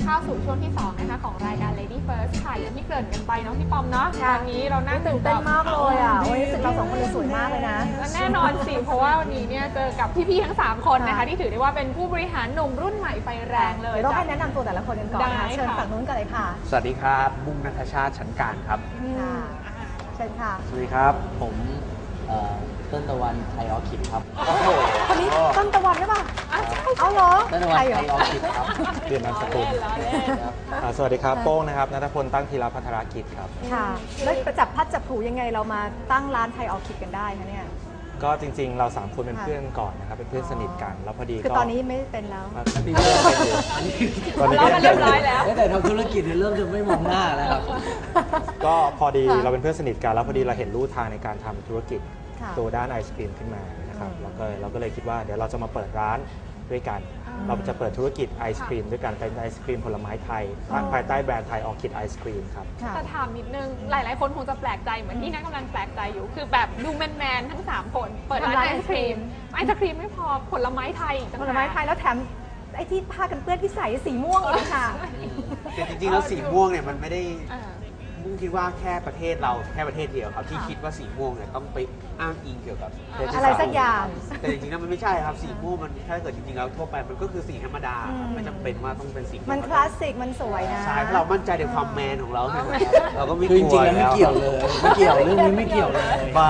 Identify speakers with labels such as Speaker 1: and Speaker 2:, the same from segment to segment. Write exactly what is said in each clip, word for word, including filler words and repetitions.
Speaker 1: เข้าสู่ช่วงที่สองนะคะของรายการ Lady First ค่ะอย่างที่เกริ่นกันไปเนาะพี่ปอมเนาะตอนนี้เรานั่ง
Speaker 2: ตื่นเต้นมากเลยอ่ะวันนี้รู้สึกเราสองคนเลยสวยมากเลยนะ
Speaker 1: และแน่นอนสิเพราะว่าวันนี้เนี่ยเจอกับพี่ๆทั้งสามคนนะคะที่ถือได้ว่าเป็นผู้บริหารหนุ่มรุ่นใหม่ไฟแรงเลย
Speaker 2: ต้องให้แนะนำตัวแต่ละคนกันก่อนนะคะเชิญฝั่งนู้นกันเลยค่ะ
Speaker 3: สวัสดีครับบุ้งณัฐชาติชั้นกลางครับ
Speaker 2: เชิญค่ะ
Speaker 4: สวัสดีครับผมต้นตะวันไทยออคิดครับ
Speaker 2: โอ้โหคนนี้ต้นตะวันใช่ป่ะเอาเหรอ
Speaker 4: ต้นตะวันไทยออคิดครับ
Speaker 3: เรียนนามสกุลสวัสดีครับโป้งนะครับณัฐพลตั้งธีรพัฒนากิจครับ
Speaker 2: ค่ะแล้วประจับพัดจับผูยังไงเรามาตั้งร้านไทยออคิดกันได้คะเนี่ย
Speaker 3: ก็จริงๆเราสามคนเป็นเพื่อนก่อนนะครับเป็นเพื่อนสนิทกันแล้วพอดี
Speaker 2: คือตอนนี้ไม่เป็นแล้ว
Speaker 3: ตอนนี้เริ่มเป็นอยู่
Speaker 1: ตอนนี้ก็เรียบร้อยแล้ว
Speaker 4: แต่ทำธุรกิจเริ่มจะไม่มองหน้าแล้วครับ
Speaker 3: ก็พอดีเราเป็นเพื่อนสนิทกันแล้วพอดีเราเห็นลู่ทางในการทำธุรกิจตัวด้านไอศกรีมขึ้นมานะครับเราก็เราก็เลยคิดว่าเดี๋ยวเราจะมาเปิดร้านด้วยกันเราจะเปิดธุรกิจไอศกรีมด้วยกันเป็นไอศกรีมผลไม้ไทยภายใต้แบรนด์ไทยออคิดไอศกรีมครับ
Speaker 1: แต่ถามนิดนึงหลายๆคนคงจะแปลกใจเหมือนที่นักกำลังแปลกใจอยู่คือแบบดูแมนๆทั้งสามคนเปิดร้านไอศกรีมไอศกรีมไม่พอผลไม้ไทย
Speaker 2: ผลไม้ไทยแล้วแถมไอ้ที่ผ้ากันเปื้อนที่ใส่สีม่วงอีกค่ะ
Speaker 5: แต่จริงๆแล้วสีม่วงเนี่ยมันไม่ได้มุ่งคิดว่าแค่ประเทศเราแค่ประเทศเดียวครับที่คิดว่าสีม่วงเนี่ยต้องไปอ้างอิงเกี่ยวกับ
Speaker 2: อะไรสักอย่าง
Speaker 5: แต่จริงๆแล้วมันไม่ใช่ครับสีม่วงมันถ้าเกิดจริงๆแล้วทั่วไปมันก็คือสีธรรมดาไม่จำเป็นว่าต้องเป็นสี
Speaker 2: มันคลาสสิกมันสวยนะ
Speaker 5: ใช่เรามั่นใจในความแมนของเราเราก็ไม่ก
Speaker 4: ลัวจริงๆแล้วไม่เกี่ยวเลยไม่เกี่ยวเรื่องนี้ไม่เกี่ยวเลย
Speaker 5: บ้า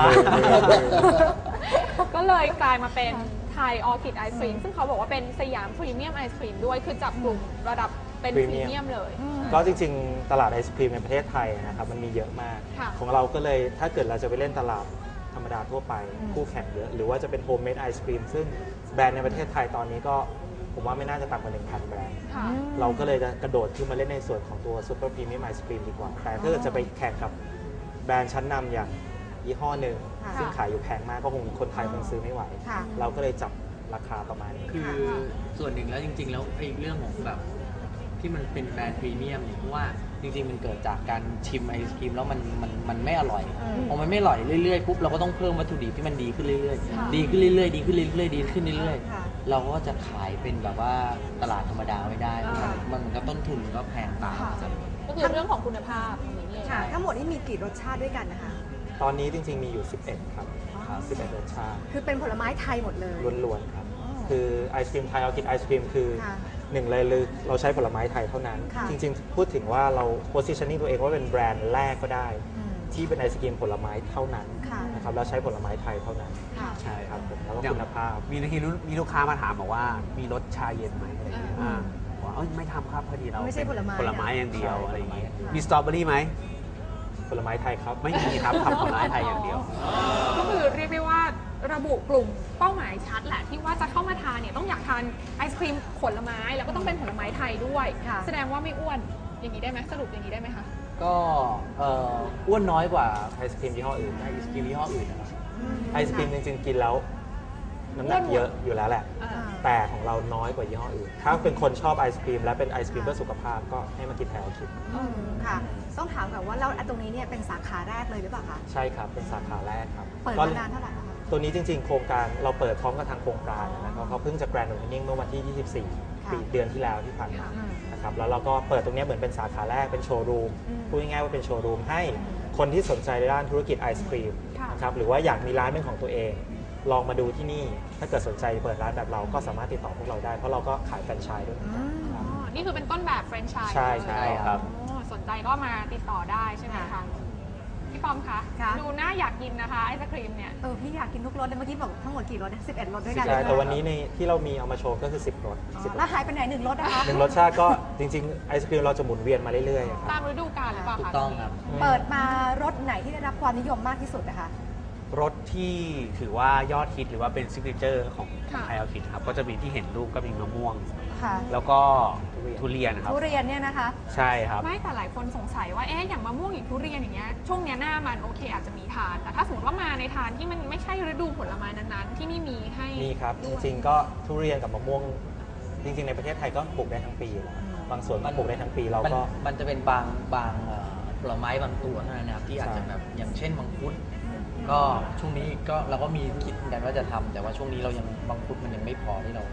Speaker 1: ก็เลยกลายมาเป็นไทยออคิดไอศครีมซึ่งเขาบอกว่าเป็นสยามพรีเมียมไอศครีมด้วยคือจับกลุ่มระดับเป็นพรีเมียมเลย
Speaker 3: ก็จริงๆตลาดไอศครีมในประเทศไทยนะครับมันมีเยอะมากของเราก็เลยถ้าเกิดเราจะไปเล่นตลาดธรรมดาทั่วไปคู่แข่งเยอะหรือว่าจะเป็นโฮมเมดไอศครีมซึ่งแบรนด์ในประเทศไทยตอนนี้ก็ผมว่าไม่น่าจะต่ำกว่า หนึ่งพัน แบรนด์เราก็เลยจะกระโดดขึ้นมาเล่นในส่วนของตัวซูเปอร์พรีเมียมไอศครีมดีกว่าแต่ถ้าเกิดจะไปแข่งกับแบรนด์ชั้นนำอย่างยี่ห้อหนึ่งซึ่งขายอยู่แพงมากก็คงคนไทยคงซื้อไม่ไหวเราก็เลยจับราคาประมาณนี้
Speaker 4: คือส่วนหนึ่งแล้วจริงๆแล้วไอ้เรื่องของแบบที่มันเป็นแบรนด์พรีเมียมเนี่ยเพราะว่าจริงๆมันเกิดจากการชิมไอศครีมแล้วมันมันมันไม่อร่อยพอมันไม่อร่อยเรื่อยๆปุ๊บเราก็ต้องเพิ่มวัตถุดิบที่มันดีขึ้นเรื่อยๆดีขึ้นเรื่อยๆดีขึ้นเรื่อยๆดีขึ้นเรื่อยๆเราก็จะขายเป็นแบบว่าตลาดธรรมดาไม่ได้มันก็ต้นทุนก็แพงตาม
Speaker 1: ก็คือเรื่องของคุณภาพ
Speaker 2: ค่ะทั้งหมดนี้มีกี่รสชาติด้วยกันนะคะ
Speaker 3: ตอนนี้จริงๆมีอยู่สิบเอ็ดครับสิบเอ็ดรสชาติ
Speaker 2: คือเป็นผลไม้ไทยหมดเลย
Speaker 3: ล้วนๆครับคือไอศครีมไทยออคิดไอศครีมคือหนึ่งเลยเราใช้ผลไม้ไทยเท่านั้นจริงๆพูดถึงว่าเรา positioning ตัวเองว่าเป็นแบรนด์แรกก็ได้ที่เป็นไอศกรีมผลไม้เท่านั้นนะครับแล้วใช้ผลไม้ไทยเท่านั้นใช่ครับผมแล้วก็คุณภาพ
Speaker 5: มีทีมีลูกค้ามาถามบอกว่ามีรสชาเย็นไหมอะไรอย่างเงี้ยว่าไม่ทำครับพอดีเรา
Speaker 2: ไม่ใช่ผลไม้
Speaker 5: ผลไม้อย่างเดียวอะไรอย่างเงี้ยมีสตรอเบอรี่ไหม
Speaker 3: ผลไม้ไทยครับ
Speaker 5: ไม่มีครับทำผลไม้ไทยอย่างเดียว
Speaker 1: ก็คือเรียกได้ว่าระบุกลุ่มเป้าหมายชัดแหละที่ว่าจะเข้ามาทานเนี่ยต้องอยากทานไอศครีมผลไม้แล้วก็ต้องเป็นผลไม้ไทยด้วยแสดงว่าไม่อ้วนอย่างนี้ได้ไหมสรุปอย่างนี้ได้ไหมคะ
Speaker 4: ก็อ้วนน้อยกว่าไอศครีมยี่ห้ออื่นไอศครีมยี่ห้ออื่นนะครับ
Speaker 3: ไอศครีมจริงๆกินแล้วน้ำหนักเยอะอยู่แล้วแหละแต่ของเราน้อยกว่ายี่ห้ออื่นถ้าเป็นคนชอบไอศครีมและเป็นไอศครีมเพื่อสุขภาพก็ให้มากินแถวคิด
Speaker 2: ค่ะต้องถามก่อนว่าเราตรงนี้เนี่ยเป็นสาขาแรกเลยหรือเปล่าคะ
Speaker 3: ใช่ครับเป็นสาขาแรกครับ
Speaker 2: เปิดมานานเท่าไหร่คะ
Speaker 3: ตัวนี้จริงๆโครงการเราเปิดพร้อมกับทางโครงการนะครับเขาเพิ่งจะแกรนด์โอเพนนิ่งเมื่อวันที่ยี่สิบสี่ปีเดือนที่แล้วที่ผ่านมานะครับแล้วเราก็เปิดตรงนี้เหมือนเป็นสาขาแรกเป็นโชว์รูมพูดง่ายๆว่าเป็นโชว์รูมให้คนที่สนใจในด้านธุรกิจไอศครีมนะครับหรือว่าอยากมีร้านเป็นของตัวเองลองมาดูที่นี่ถ้าเกิดสนใจเปิดร้านแบบเราก็สามารถติดต่อพวกเราได้เพราะเราก็ขายแฟรนไชส์ด้วย
Speaker 1: นี่คือเป็นต้นแบบแฟรนไชส์
Speaker 3: ใช่ใช่ครับ
Speaker 1: สนใจก็มาติดต่อได้ใช่ไหมคะพี่ปอมคะดูน่าอยากกินนะคะไอศครีมเนี่ย
Speaker 2: เออพี่อยากกินทุกรสเลยเมื่อกี้บอกทั้งหมดกี่รสสิบเอ็ดรสด้วยกัน
Speaker 3: ใช่แต่วันนี้ในที่เรามีเอามาโชว์ก็คือสิบรส
Speaker 2: แล้วหายไปไหนหนึ่งรสนะคะ
Speaker 3: หนึ่งรสชาติก็จริงๆไอศครีมเราจะหมุนเวียนมาเรื่อย
Speaker 1: ๆตามฤดูกาลหรือเปล่าคะ
Speaker 4: ถูกต้องครับ
Speaker 2: เปิดมารสไหนที่ได้รับความนิยมมากที่สุดนะคะ
Speaker 5: รสที่ถือว่ายอดฮิตหรือว่าเป็นซิกเนเจอร์ของไทยออคิดครับก็จะมีที่เห็นรูปก็มีมะม่วงแล้วก็ทุเรียนครับ
Speaker 2: ทุเรียนเนี่ยนะคะ
Speaker 5: ใช่ครับ
Speaker 1: ไม่แต่หลายคนสงสัยว่าเอ๊ะอย่างมะม่วงอย่างทุเรียนอย่างเงี้ยช่วงนี้หน้ามันโอเคอาจจะมีทานแต่ถ้าสมมติว่ามาในทานที่มันไม่ใช่ฤดูผลไม้นั้นๆที่นี่มีให้
Speaker 3: มีครับจริงๆก็ทุเรียนกับมะม่วงจริงๆในประเทศไทยก็ปลูกได้ทั้งปีบางส่วนก็ปลูกได้ทั้งปีเราก็
Speaker 4: มันจะเป็นบางบางผลไม้บางตัวเท่านั้นนะครับที่อาจจะแบบอย่างเช่นมังคุดก็ช่วงนี้ก็เราก็มีคิดกันว่าจะทำแต่ว่าช่วงนี้เรายังมังคุดมันยังไม่พอที่เรา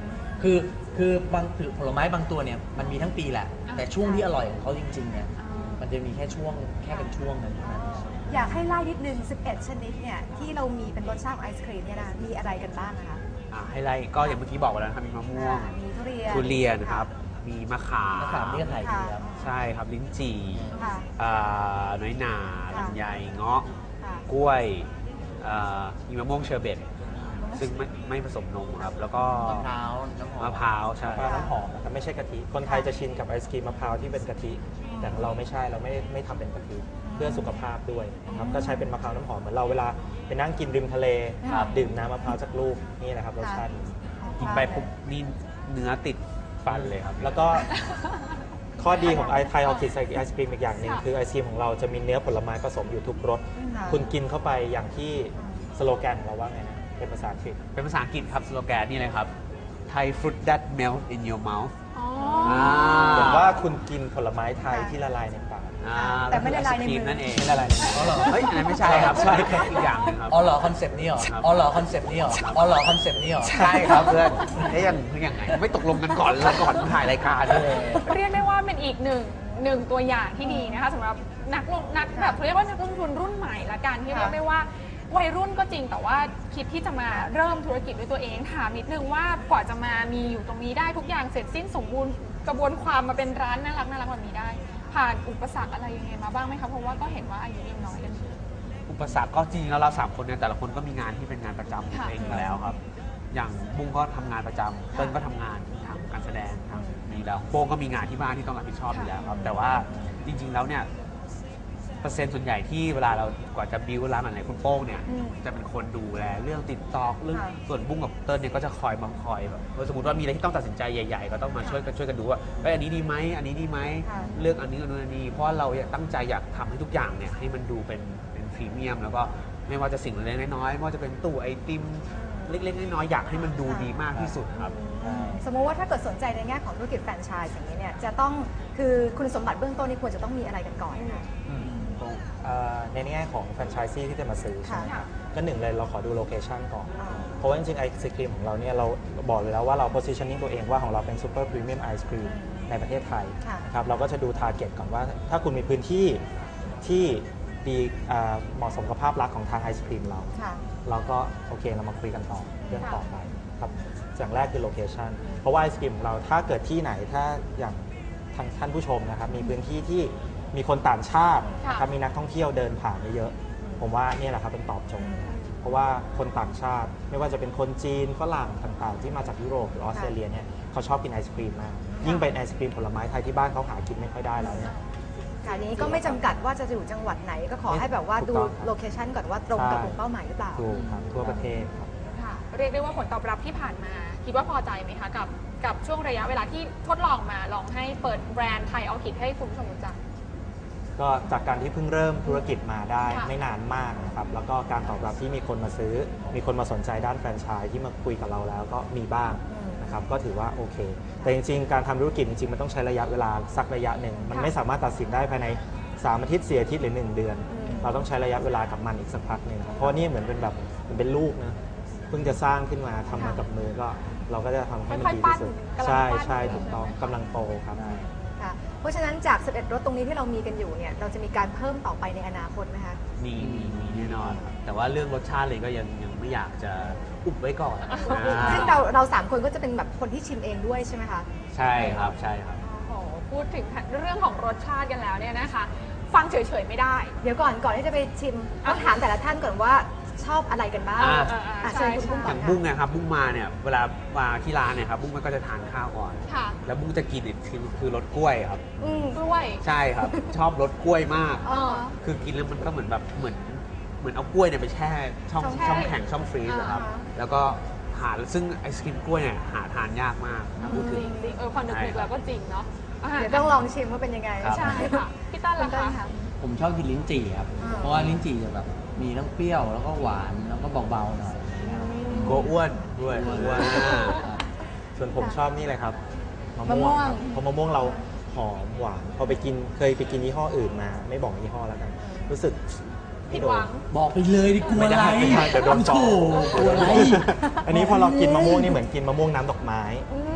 Speaker 4: คือคือบางผลไม้บางตัวเนี่ยมันมีทั้งปีแหละ แต่ช่วงที่อร่อยของเขาจริงๆเนี่ยมันจะมีแค่ช่วงแค่เป็นช่วงนั้นเท่านั้น
Speaker 2: อยากให้ไล่นิดนึง สิบเอ็ด ชนิดเนี่ยที่เรามีเป็นรสชาติของไอศครีมเนี่ยนะมีอะไรกันบ้างนะคะ
Speaker 5: อ่าให้ไล่ก็อย่างเมื่อกี้บอกไปแล้วนะครับมีมะม่วง
Speaker 2: อ่ามีทุเรียน
Speaker 5: ทุเรียนครับ มีมะขาม
Speaker 4: มะขามนี่ก็ขายดีครับ
Speaker 5: ใช่ครับลิ้นจี่
Speaker 2: ค่ะ
Speaker 5: อ่าน้อยหนา
Speaker 2: ค่ะ
Speaker 5: ลำไยเงาะ
Speaker 2: ค่ะ
Speaker 5: กล้วยอ่ามีมะม่วงเชอร์เบตซึ่งไม่ไม่ผสมนมครับ แล้วก็
Speaker 4: มะพร้าวน้ำหอม
Speaker 5: มะพร้าวใช่
Speaker 3: มะพร้าวน้ำหอมนะครับไม่ใช่กะทิ คนไทยจะชินกับไอศครีมมะพร้าวที่เป็นกะทิ แต่ของเราไม่ใช่เราไม่ไม่ทำเป็นกะทิเพื่อสุขภาพด้วยนะครับก็ใช้เป็นมะพร้าวน้ำหอมเหมือนเราเวลาไปนั่งกินริมทะเล
Speaker 2: ครับ
Speaker 3: ดื่มน้ำมะพร้าวจากลูกนี่นะครับรสชาติ
Speaker 5: กินไปปุ๊บนี่เนื้อติดฟันเลยครับ
Speaker 3: แล้วก็ข้อดีของไอไทยออคิดไอศครีมอีกอย่างหนึ่งคือไอศครีมของเราจะมีเนื้อผลไม้ผสมอยู่ทุกรส
Speaker 2: ค่ะ
Speaker 3: คุณกินเข้าไปอย่างที่สโลแกนของเราว่าไงนะเป็นภาษาอังกฤษ
Speaker 5: เป็นภาษาอังกฤษครับสโลแกนนี่เลยครับ Thai fruit that melt in your mouth
Speaker 1: อ๋อ
Speaker 5: อ่า
Speaker 3: เหมือนว่าคุณกินผลไม้ไทยที่ละลายในปาก
Speaker 5: อ่า
Speaker 2: แต่ไม่ละลายในมือ
Speaker 5: ไอศกรีมนั่นเอง
Speaker 3: ไม่ละลายในมือ
Speaker 5: อ๋อเหรอเฮ้ยอันนั้นไม่ใช่ครับ
Speaker 3: ใช่ครับ
Speaker 5: อีกอย่างหนึงครับ
Speaker 4: อ๋อเหรอคอนเซปต์นี้เหรอ
Speaker 5: ครับ
Speaker 4: อ๋อเหรอคอนเซปต์นี้เหรออ๋อเหรอคอนเซปต์นี้เหรอ
Speaker 5: ใช่ครับเพื่อนเอ๊ยยังยังไงไม่ตกลงกันก่อนเลยก่อนถ่ายรายการเลย
Speaker 1: เรียกได้ว่าเป็นอีกหนึ่งหนึ่งตัวอย่างที่ดีนะคะสำหรับนักลงนักแบบเรียกว่านักลงทุนรุ่นใหม่ละกันที่เรียกได้ว่าวัยรุ่นก็จริงแต่ว่าคิดที่จะมาเริ่มธุรกิจด้วยตัวเองถามนิดนึงว่ากว่าจะมามีอยู่ตรงนี้ได้ทุกอย่างเสร็จสิ้นสมบูรณ์กระบวนความมาเป็นร้านน่ารักน่ารักแบบนี้ได้ ผ่านอุปสรรคอะไรยังไงมาบ้างไหมคะเพราะว่าก็เห็นว่าอายุยังน้อยกันอยู่
Speaker 5: อุปสรรคก็จริงๆแล้วเราสามคนเนี่ยแต่ละคนก็มีงานที่เป็นงานประจำของ
Speaker 1: ค่ะ
Speaker 5: ตัวเองอยู่แล้วครับ อย่างบุ้งก็ทำงานประจำเติ้ลก็ทำงานทางการแสดงทางนี้แล้วโป้งก็มีงานที่บ้านที่ต้องรับผิดชอบอยู่แล้วครับ แต่ว่าจริงๆแล้วเนี่ยเปอร์เซ็นต์ส่วนใหญ่ที่เวลาเรากว่าจะบิวร้านอะไรคุณโป้งเนี่ย
Speaker 2: อืม
Speaker 5: จะเป็นคนดูแลเรื่องติดต่อเรื่อง
Speaker 2: ค่ะ
Speaker 5: ส่วนบุ้งกับเติ้ลเนี่ยก็จะคอยบังคอยแบบเออสมมติว่ามีอะไรที่ต้องตัดสินใจใหญ่ ๆ ก็ต้องมาช่วยกันช่วยกันดูว่าเอ้ยอันนี้ดีไหมอันนี้ดีไหม
Speaker 2: ค่ะ
Speaker 5: เลือกอันนี้อันนู้นอันนี้เพราะว่าเราอยากตั้งใจอยากทำให้ทุกอย่างเนี่ยให้มันดูเป็นเป็นพรีเมียม แล้วก็ไม่ว่าจะสิ่งเล็กๆน้อยๆไม่ว่าจะเป็นตู้ไอติมเล็กๆน้อยๆอยากให้มันดูดีมากที่สุดครับ
Speaker 2: สมมติว่าถ้าเกิดสนใจในแง่ของธุรกิจแฟรนไชส์อย่างนี้เนี่ยจะต้องคือคุณสมบัติเบื้องต้นนี่ควรจะต้องมีอะไรกันก่อนนะคะ
Speaker 3: เอ่อในแง่ของแฟรนไชส์ที่จะมาซื้อใช่ไหมค
Speaker 2: ค่ะ
Speaker 3: รับก็หนึ่งเลยเราขอดูโลเคชันก่อน
Speaker 2: อ่า
Speaker 3: เพราะว่าจริงๆไอศครีมของเราเนี่ยเราบอกเลยแล้วว่าเรา positioning ตัวเองว่าของเราเป็น super premium ice cream ในประเทศไทย
Speaker 2: ค่ะ
Speaker 3: นะครับเราก็จะดู target ก่อนว่าถ้าคุณมีพื้นที่ที่ดีอ่าเหมาะสมกับภาพลักษณ์ของทางไอศครีมเรา
Speaker 2: ค่ะ
Speaker 3: เราก็โอเคเรามาคุยกันต่อเรื่องต่อไปครับอย่างแรกคือโลเคชันเพราะว่าไอศครีมของเราถ้าเกิดที่ไหนถ้าอย่างทางท่านผู้ชมนะครับมีพื้นที่ที่มีคนต่างชาติ
Speaker 1: ค่ะ
Speaker 3: นะครับมีนักท่องเที่ยวเดินผ่านเยอะๆผมว่าเนี่ยแหละครับเป็นตอบโจทย์เพราะว่าคนต่างชาติไม่ว่าจะเป็นคนจีนฝรั่งต่างๆ ที่มาจากยุโรปหรือออสเตรเลียเนี่ยเขาชอบกินไอศครีมมากยิ่งเป็นไอศครีมผลไม้ไทยที่บ้านเขาหากินไม่ค่อยได้แล้วเนี่ย
Speaker 2: ค่ะนี้ก็ไม่จำกัดว่าจะอยู่จังหวัดไหนก็ขอให้แบบว่าดู
Speaker 3: ถูกต้องครับ
Speaker 2: โลเคชันก่อนว่าตรงกับกลุ่มเป้าหมายหรือเปล่า
Speaker 3: ถูกครับทั่วประเทศครับ
Speaker 1: ค่ะเรียกได้ว่าผลตอบรับที่ผ่านมา คิดว่าพอใจไหมคะกับกับช่วงระยะเวลาที่ทดลองมาลองให้เปิดแบรนด์ไทยออคิดให้คุณผู้ชมรู้จัก
Speaker 3: ก็จากการที่เพิ่งเริ่มธุรกิจมาได้
Speaker 1: ค่ะ
Speaker 3: ไม่นานมากนะครับแล้วก็การตอบรับที่มีคนมาซื้อ มีคนมาสนใจด้านแฟรนไชส์ที่มาคุยกับเราแล้วก็มีบ้าง
Speaker 2: อืม
Speaker 3: นะครับก็ถือว่าโอเค แต่จริงๆ การทำธุรกิจจริงๆ มันต้องใช้ระยะเวลาสักระยะหนึ่ง มัน
Speaker 2: ค่ะ
Speaker 3: ไม่สามารถตัดสินได้ภายในสามอาทิตย์สี่อาทิตย์หรือหนึ่งเดือน
Speaker 2: อืม
Speaker 3: เราต้องใช้ระยะเวลากับมันอีกสักพักหนึ่งเพราะว่านี่เหมือนเป็นแบบเหมือนเป็นลูกนะเพิ่งจะสร้างขึ้นมาทำมากับมือก็เราก็จะทำให้มันดีที่สุด
Speaker 1: ค่อยๆปั้น
Speaker 3: ใช่
Speaker 1: กำลังปั้น
Speaker 3: ใช่ถูกต้องกำลังโตครับ
Speaker 2: ค่ะเพราะฉะนั้นจาก สิบเอ็ด รถตรงนี้ที่เรามีกันอยู่เนี่ยเราจะมีการเพิ่มต่อไปในอนาคตไหมคะ
Speaker 5: มีมีมีแน่นอนครับแต่ว่าเรื่องรสชาติเลยก็ยังยังไม่อยากจะอุบไว้ก่อนอ่า
Speaker 2: ซึ่งเราเราสามคนก็จะเป็นแบบคนที่ชิมเองด้วยใช่ไหมคะ
Speaker 5: ใช่ครับใช่ครับ
Speaker 1: โอ้โหพูดถึงเรื่องของรสชาติกันแล้วเนี่ยนะคะ ฟังเฉยๆไม่ได้
Speaker 2: เดี๋ยวก่อนก่อนที่จะไปชิมต้องถามแต่ละท่านก่อนว่าชอบอะไรกันบ้าง
Speaker 5: อ่า
Speaker 2: อ่ะเชิญคุณบุ้ง
Speaker 5: อ
Speaker 2: ก่อน
Speaker 5: ย่าง
Speaker 2: ค่ะ
Speaker 5: บุ้งเนะครับบุ้งมาเนี่ยเวลามาที่ร้านเนี่ยครับบุ้งมันก็จะทานข้าวก่อน
Speaker 1: ค่ะ
Speaker 5: แล้วบุ้งจะกินเนี่ยคือคือรสกล้วยครับ
Speaker 2: อืม
Speaker 1: กล้วย
Speaker 5: ใช่ครับ ชอบรสกล้วยมาก
Speaker 1: เออ
Speaker 5: คือกินแล้วมันก็เหมือนแบบเหมือนเหมือนเอากล้วยเนี่ยไปแช่ช่อง
Speaker 1: ช่องแช่
Speaker 5: ช่องแข็งช่องฟรีซอะครับ
Speaker 2: อ่าฮะ
Speaker 5: แล้วก็หาซึ่งไอศครีมกล้วยเนี่ยหาทานยากมากถ้าพูด
Speaker 1: จ
Speaker 5: ถึง
Speaker 1: ริงๆเออพอนึกๆแล้วก็จริงเนาะอ่า
Speaker 2: เดี๋ยวต้องลองชิมว่าเป็นยังไง
Speaker 5: ครับ
Speaker 1: ใช่ค่ะพี่ตั้น
Speaker 2: คุณ
Speaker 1: ล่ะ
Speaker 2: ต้น
Speaker 1: คะ
Speaker 2: ค่ะ
Speaker 4: ผมชอบกินลิ้นจี่ครับ
Speaker 2: อ่า
Speaker 4: เพราะว่าลิ้นจี่จะแบบมีทั้งเปรี้ยวแล้วก็หวานแล้วก็เบาๆหน่อย
Speaker 5: กลัวอ้วนด้วยอ้วน
Speaker 3: ส่วนผมชอบนี่เลยครับมะ
Speaker 2: มะม่
Speaker 3: ม่ว
Speaker 2: ว
Speaker 3: ง
Speaker 2: ง
Speaker 3: ครับเพราะมะม่วงเราหอมหวานพอไปกินเคยไปกินยี่ห้ออื่นมา ไม่บอกยี่ห้อแล้วกัน รู้สึก
Speaker 1: ผิดหวัง
Speaker 4: บอกไปเลยดิกลัว
Speaker 3: ไม่
Speaker 4: อะไร
Speaker 3: ได้ไม่ได้เดี๋ยวโดนฟ้อง
Speaker 4: โถ่กลัวอะไร
Speaker 3: อันนี้พอเรากินมะม่วงนี่เหมือนกินมะม่วงน้ำดอกไม้
Speaker 1: อืม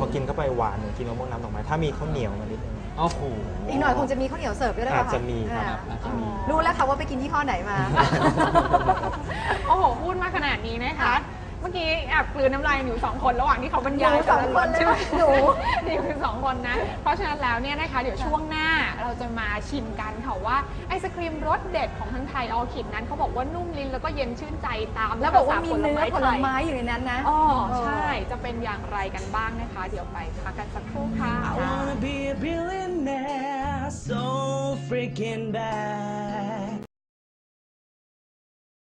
Speaker 3: กินเข้าไปหวานเหมือนกินมะม่วงน้ำดอกไม้ถ้ามีข้าวเหนียวมานิดนึง
Speaker 5: โอ้โห
Speaker 2: อีกหน่อยคงจะมีข้าวเหนียวเสิร์ฟด้วยหรือเป
Speaker 3: อา
Speaker 2: ล่า
Speaker 3: จจะมีครับ
Speaker 2: อ่า
Speaker 3: อาจจะมี
Speaker 2: รู้แล้วค่ะว่าไปกินยี่ห้อไหนมา
Speaker 1: โอ้โห พูดมาขนาดนี้นะคะ เมื่อกี้แอบกลืนน้ำลายอยู่สองคนระหว่างที่เขาบรรยาย
Speaker 2: หนูสองคนเลย
Speaker 1: ใช่ไหม
Speaker 2: หนู
Speaker 1: นี่คือสองคนนะ เพราะฉะนั้นแล้วเนี่ยนะคะ เดี๋ยวช่วงหน้าเราจะมาชิมกันค่ะว่าไอศครีมรสเด็ดของทางไทยออคิดนั้นเขาบอกว่านุ่มลิ้นแล้วก็เย็นชื่นใจตาม
Speaker 2: แล้วบอกว่ามี
Speaker 1: ภษ
Speaker 2: เนื้อผลไม้
Speaker 1: ทย
Speaker 2: อยู่ในนั้นนะ
Speaker 1: อ๋อใช่ จะเป็นอย่างไรกันบ้างนะคะ เดี๋ยวไปพักกันสักครู่ค่ะ
Speaker 6: I wanna be a billionaire so freaking bad.